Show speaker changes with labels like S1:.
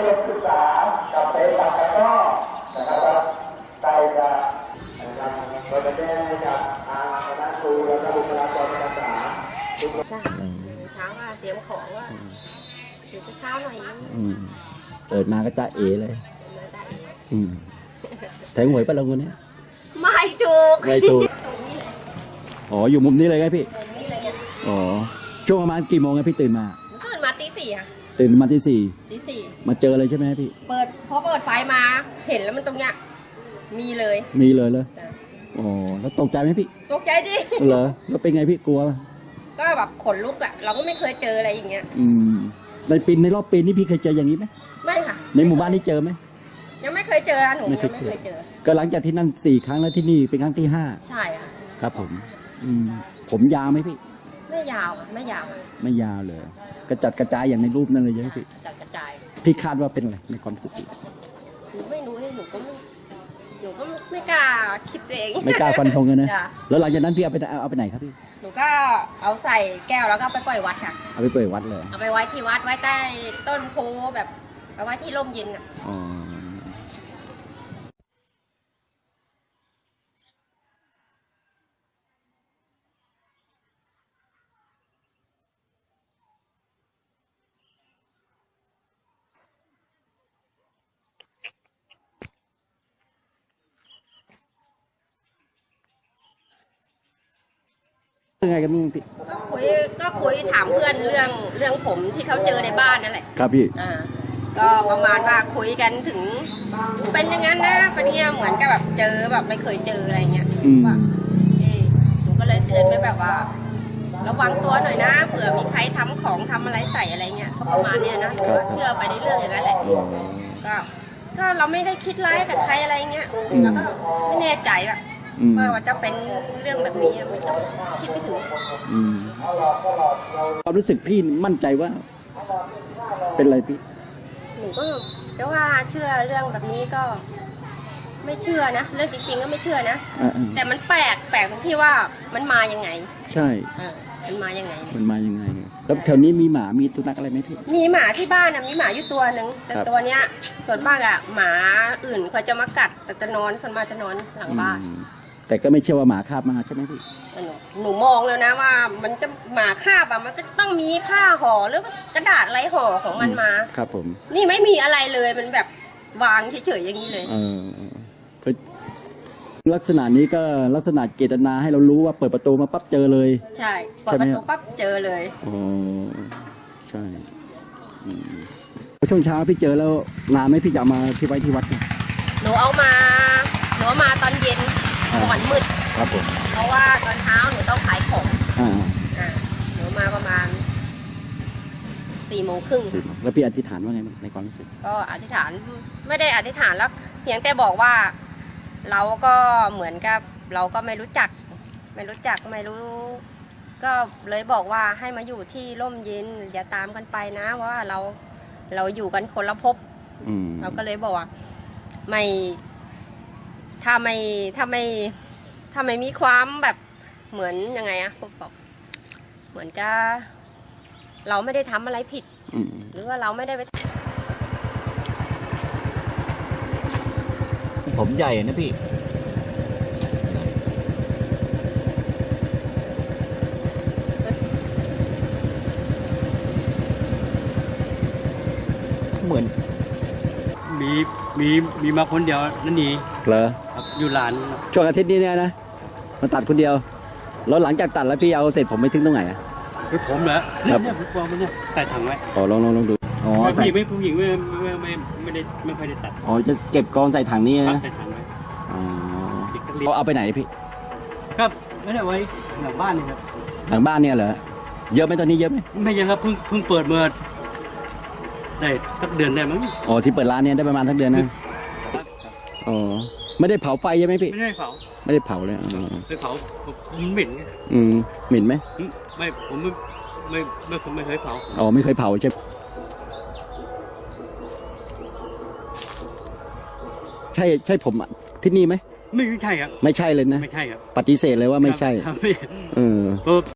S1: รียนศึกษากับเตะตะกร้อนะครับใส่จะนะครับก็จะได้จากทางคณะครูและบุคลากรทางการศึกษา
S2: จ้ะเช้าว่าเตรียมของว่าเดี๋ยวจะเช้าหน่อยนึง
S3: เปิดมาก็จ้าเอเลย
S2: มาจ้ะ
S3: แทงหวยปะลงวันนี้
S2: ไม่ถูก
S3: ไม่ถูกอ๋ออยู่มุมนี้เลยไงพี่
S2: นี่เลยเนี่ย
S3: อ๋อช่วงประมาณกี่โมงไงพี่ตื่นมา
S2: ตีสี่อะ
S3: ตื่นมาตีสี่มาเจอเลยใช่ไหมพี่
S2: พอเปิดไฟมาเห็นแล้วมันตรงเนี้ยมีเลย
S3: เลยอ๋อแล้วตกใจไหมพี่
S2: ตกใจดิ
S3: เหรอแล้วเป็นไงพี่กลัว
S2: ก็แบบขนลุกอะเราก็ไม่เคยเจออะไรอย่างเงี้ย
S3: ในรอบปีนี้พี่เคยเจออย่างนี้ไหม
S2: ไม่ค่ะ
S3: ในหมู่บ้านนี้เจอไหม
S2: ยังไม่เคยเจอหนูไม่เคยเจอ
S3: ก็หลังจากที่นั่น4 ครั้งแล้วที่นี่เป็นครั้งที่5
S2: ใช่ค่ะ
S3: ครับผมยาวไหมพี่
S2: ไม่ยาว
S3: ไม่ยาวเลยกระจัดกระจายอย่างในรูปนั่นเลยใช่ไหมพี่
S2: กระจัดกระจาย
S3: พี่คาดว่าเป็นอะไรในความรู้สึก
S2: หนูไม่รู้เลยหนูก็ไม่กล้าคิดเอง
S3: ไม่กล้าฟันธงกันนะแล้วหลังจากนั้นพี่เอาไปไหนครับพี่
S2: หนูก็เอาใส่แก้วแล้วก็ไปปล่อยวัดค่ะ
S3: เอาไปปล่อยวัดเลย
S2: เอาไปไว้ที่วัดไว้ใต้ต้นโพแบบเอาไว้ที่ร่มเย็นอ่ะ
S3: ยังไงกันบ้างพี่
S2: ก็คุยถามเพื่อนเรื่องผมที่เขาเจอในบ้านนั่นแหละ
S3: ครับพี่
S2: ก็ประมาณว่าคุยกันถึงเป็นอย่างนั้นนะปะเนี่ยเหมือนกับแบบเจอแบบไม่เคยเจออะไรเงี้ยว่าหนูก็เลยเตือนไปแบบว่าระวังตัวหน่อยนะเผื่อมีใครทำอะไรใส่อะไรเงี้ยประมาณเนี้ยนะเชื่อไปในเรื่องอย่างนั้นแหละก็เราไม่ได้คิดร้ายกับใครอะไรเงี้ยแล้วก็ไม่แน่ใจว่าจะเป็นเรื่องแบบนี้ไม่ต้องคิดไม่ถึง
S3: ความรู้สึกพี่มั่นใจว่าเป็นอะไรพี่
S2: หนูก็จะว่าเชื่อเรื่องแบบนี้ก็ไม่เชื่อนะเรื่องจริงๆก็ไม่เชื่อนะแต่มันแปลกตรงที่ว่ามันมายังไง
S3: ใช่
S2: มันมายังไง
S3: แล้วแถวนี้มีหมามีสุนัขอะไรไหมพี่
S2: มีหมาที่บ้านมีหมาอยู่ตัวหนึ่งแต่ตัวเนี้ยส่วนมากหมาอื่นเขาจะมากัดแต่จะนอนส่วนมากจะนอนหลังบ้าน
S3: แต่ก็ไม่เชื่อว่าหมาคาบมาใช่ไหมพี่
S2: หนูมองแล้วนะว่ามันจะหมาคาบมันก็ต้องมีผ้าห่อหรือกระดาษอะไรห่อของมันมา
S3: ครับผม
S2: นี่ไม่มีอะไรเลยมันแบบวางเฉยๆอย่างนี้เลย
S3: ลักษณะนี้ก็ลักษณะเจตนาให้เรารู้ว่าเปิดประตูมาปั๊บเจอเลย
S2: ใช่เปิดประตูปั๊บเจอเลย
S3: อ๋อใช่ช่วงเช้าพี่เจอแล้วนานไหมพี่จะเอามาที่ไว้ที่วัด
S2: หนูเอามาตอนเย็นก่อนมืด
S3: ครับผม
S2: เพราะว่าตอนเช้าหนูต้องขายของหนูมาประมาณ4:30
S3: แล้วพี่อธิษฐานว่าไงในความรู้สึก
S2: ก็อธิษฐานไม่ได้อธิษฐานแล้วเพียงแต่บอกว่าเราก็เหมือนกับเราก็ไม่รู้จักไม่รู้ก็เลยบอกว่าให้มาอยู่ที่ร่มเย็นอย่าตามกันไปนะว่าเราอยู่กันคนละภพเราก็เลยบอกว่าไม่ถ้าไม่มีความแบบเหมือนยังไงบอกเหมือนกับเราไม่ได้ทำอะไรผิดหรือว่าเราไม่ได้ไป
S3: ผมใหญ่นะพี่เหมือน
S4: มีมาคนเดียวนั่นนี่
S3: เหรอ
S4: อยู่ร้าน
S3: ช่วงอาทิตย์นี้เนี่ยนะมาตัดคนเดียวแล้วหลังจากตัดแล้วพี่เอาเสร็จผมไม่ทิ้งตรงไหน
S4: คือผมเหรอเนี่ยผมวางมันเนี่ยใส่ถังไว้
S3: ลองดู
S4: ผู้หญิงไม่ค่อยได้ตัด
S3: จะเก็บกองใส่ถังนี้นะ
S4: ใส่ถังไว้
S3: เอาไปไหนพี่
S4: ครับไม่ได้ไว้หลังบ้านนี่ครับ
S3: หลังบ้านเนี่ยเหรอเยอะไหมตอนนี้เยอะไหม
S4: ไม่เยอะครับเพิ่งเปิดเมื่อได้สักเดือนได้มั้ง
S3: ที่เปิดร้านเนี่ยได้ประมาณสักเดือนนะไม่ได้เผาไฟใช่ไหมพี่
S4: ไม่ได้เผา
S3: เลย
S4: ไม่เผามันเหม็น
S3: เหม็นไหม
S4: ไม่ผมไม่เคยเผา
S3: ไม่เคยเผาใช่ใช่ผมที่นี่ไหม
S4: ไม่ใช่ครับ
S3: ไม่ใช่เลยนะ
S4: ไม่ใช่ครับ
S3: ปฏิเสธเลยว่าไม่ใช่